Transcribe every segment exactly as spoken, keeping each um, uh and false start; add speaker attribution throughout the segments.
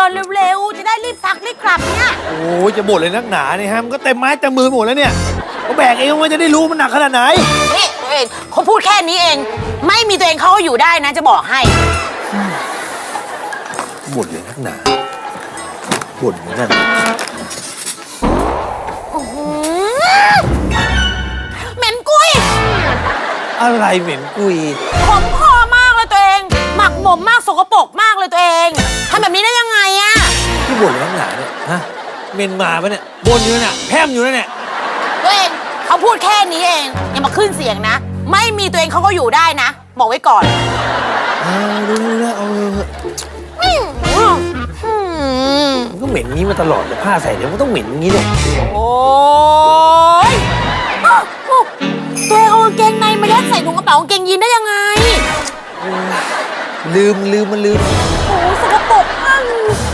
Speaker 1: ดินเร็วๆจะได้รีบซักรีบกลับเนี่ย
Speaker 2: โอ้ยจะบ่นเลยนักหนาเนี่ยฮะมันก็เต็มไม้เต็มมือหมดแล้วเนี่ยก็แบกเองมันจะได้รู้มันหนักขนาดไหน
Speaker 1: นี่ตัวเองเขาพูดแค่นี้เองไม่มีตัวเองเขาอยู่ได้นะจะบอกให้
Speaker 2: บ่นเลยนักหนาบ่นเหมือนกัน
Speaker 1: เหม็นกุย
Speaker 2: อะไรเหม็นกุย
Speaker 1: ขมคอมากเลยตัวเองหมักหมมมากสกปรกมากเลยตัวเองทำแบบนี้ได้ยังไงอะ
Speaker 2: ที่บ่นเลยนักหนาเนี่ยฮะเมนมาปะเนี่ยบ่นอยู่เนี่ยแพร่มอยู่เนี่ย
Speaker 1: ตัวเองเขาพูดแค่นี้เองอย่ามาขึ้นเสียงนะไม่มีตัวเองเขาก็อยู่ได้นะบอกไว้ก่อน
Speaker 2: เอาดูแล้วเอามันก็เหม็นนี้มาตลอดแต่ผ้าใส่เนี่ยมันต้องเหม็นอย่างนี้เลย
Speaker 1: โอ้ยตัวเองเอากางเกงในมายัดใส่ถุงกระเป๋ากางเกงยีนได้ยังไง
Speaker 2: ลืมลืมมันลืม
Speaker 1: โอ้สกปรกมาก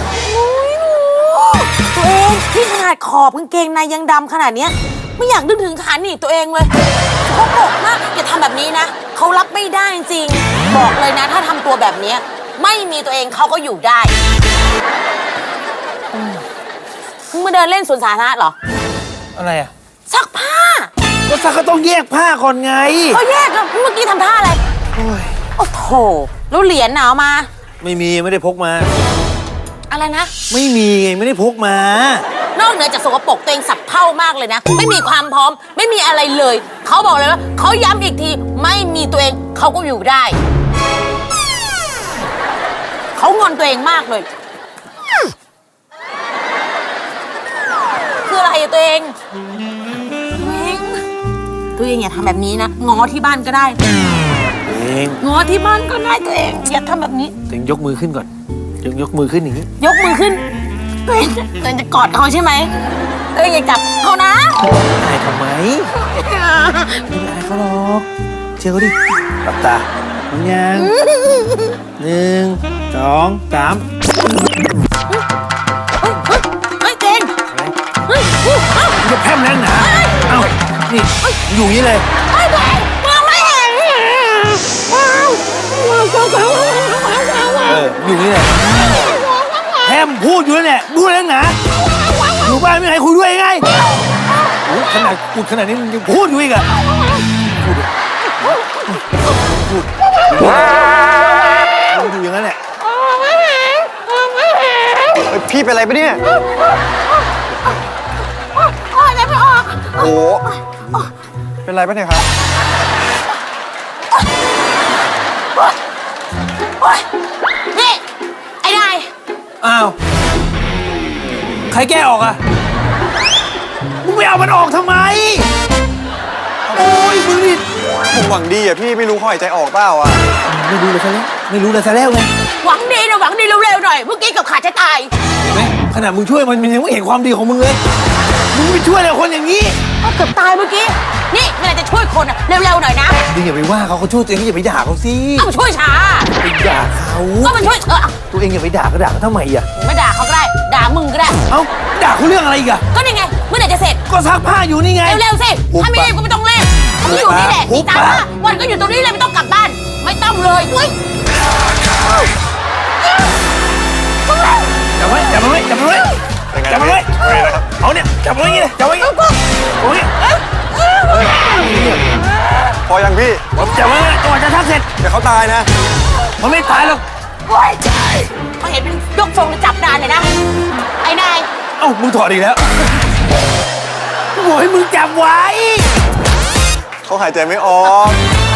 Speaker 1: ตัวเองที่ขนาดขอบกางเกงในยังดำขนาดนี้ไม่อยากนึกถึงขาหนีตัวเองเลยสกปรกมากอย่าทำแบบนี้นะเขารับไม่ได้จริงบอกเลยนะถ้าทำตัวแบบนี้ไม่มีตัวเองเขาก็อยู่ได้มึงมาเดินเล่นสวนสาธารณะเหรอ
Speaker 2: อะไรอะ
Speaker 1: ซักผ้า
Speaker 2: ก็ซักก็ต้องแยกผ้าก่อนไง
Speaker 1: ก็แยกแล้วเมื่อกี้ทำท่าอะไรโอ้ยโอ้โหแล้วเหรียญหนาวมา
Speaker 2: ไม่มีไม่ได้พกมา
Speaker 1: อะไรนะ
Speaker 2: ไม่มีไงไม่ได้พกมาน
Speaker 1: อกเหนือจากสกปรกตัวเองสับเผ่ามากเลยนะไม่มีความพร้อมไม่มีอะไรเลยเขาบอกเลยว่าเขาย้ำอีกทีไม่มีตัวเองเขาก็อยู่ได้เขางอนตัวเองมากเลยคืออะไรตัวเองตัวเองอย่าทำแบบนี้นะง้อที่บ้านก็ได้
Speaker 2: เอง
Speaker 1: ง้อที่บ้านก็ได้ตัวเองอย่าทำแบบนี้
Speaker 2: ตัวเองยกมือขึ้นก่อนยกยกมือขึ้นอย่างนี้
Speaker 1: ยกมือขึ้นตัวเองตัวเองจะกอดเขาใช่ไหมตัวเองอย่าจับเขานะ
Speaker 2: อายทำไมไม่อายเขาหรอกเชื่อเขาดิหลับตาพร้อมยังหนึ่งสองสาม
Speaker 1: เฮ้ยเก่ง
Speaker 2: เฮ้ยจะแพร่มแล้วนะเอ้านี่อยู่นี่เลย
Speaker 1: เฮ้ยเก่งมองไม่เห็น
Speaker 2: เอออยู่นี่เลยแพร่มพูดอยู่แล้วเนี่ยพูดแล้วนะอยู่บ้านไม่ให้คุยด้วยไงโอ้ขนาดพูดขนาดนี้มันยังพูดอยู่อีกอะพูดพูดพูดอยู่อย่างนั้นแหละ
Speaker 3: พี่เป็นอะไรปะเนี่ย
Speaker 1: โอ้ยไม่ออก
Speaker 3: โอ้เป็นไรปะเนี่ยครับ
Speaker 1: นี่ไอ้นาย
Speaker 2: อ้าวใครแก้ออกอะมึงไม่เอามันออกทำไมโอ้ยมึงนี่
Speaker 3: ผมหวังดีอะพี่ไม่รู้เขาหายใจออกเปล่าอะ
Speaker 2: ไม่รู้เลยซะแล้วไม่รู้เลยซะแล้วไง
Speaker 1: หวังดีนะหวังดีเร็วๆหน่อยเมื่อกี้กับขาดจะตาย
Speaker 2: เห็นไหมขนาดมึงช่วยมันมันยังไม่เห็นความดีของมึงเลยมึงไม่ช่วยเลยคนอย่างนี้
Speaker 1: ก็เกือบตายเมื่อกี้นี่เวลาจะช่วยคนอะเร็วๆหน่อยนะ
Speaker 2: มึงอย่าไปว่าเขาเขาช่วยตัวเองอย่าไปด่าเขาสิ
Speaker 1: เอาช่วยช้า
Speaker 2: ไปด่าเขา
Speaker 1: ก็มันช่วยเถอะ
Speaker 2: ตัวเองอย่าไปด่าเขาด่าเขาทำไมอะ
Speaker 1: ไม่ด่าเขาก็ได้ด่ามึงก็ได้
Speaker 2: เอ้าด่าเขาเรื่องอะไรอีกอะ
Speaker 1: ก็นี่ไงเมื่อไหร่จะเสร็จ
Speaker 2: ก็ซักผ้าอยู่นี่ไง
Speaker 1: เร็วๆสิถ้าไม่รีบก็ไม่ต้องรีบเขาอยู่นี่แหละนี่ตามมาวันก็อยู่ตรงนี้เลยไม่ต้องกลับบ้านไม่ต้องเลยอุ้ย
Speaker 2: จับไว้จับมันไว้จับมันไว้จับมันไว้เอาเนี่ยจับมันไว้อย่างนี้เลยจับไว้อย่างนี้โอ้ย
Speaker 3: พอยังพี่
Speaker 2: ผมจับไว้ก่อนจะทักเสร็จ
Speaker 3: เดี๋ยวเขาตายนะ
Speaker 2: มันไม่ตายหรอก
Speaker 1: โอ้ยใช่เขาเห็นเป็นยกทรงจะจับนานเลยนะไอ้นาย
Speaker 2: เอ้ามึงถอดอีกแล้วกูบอกให้มึงจับไว้
Speaker 3: เขาหายใจไม่ออก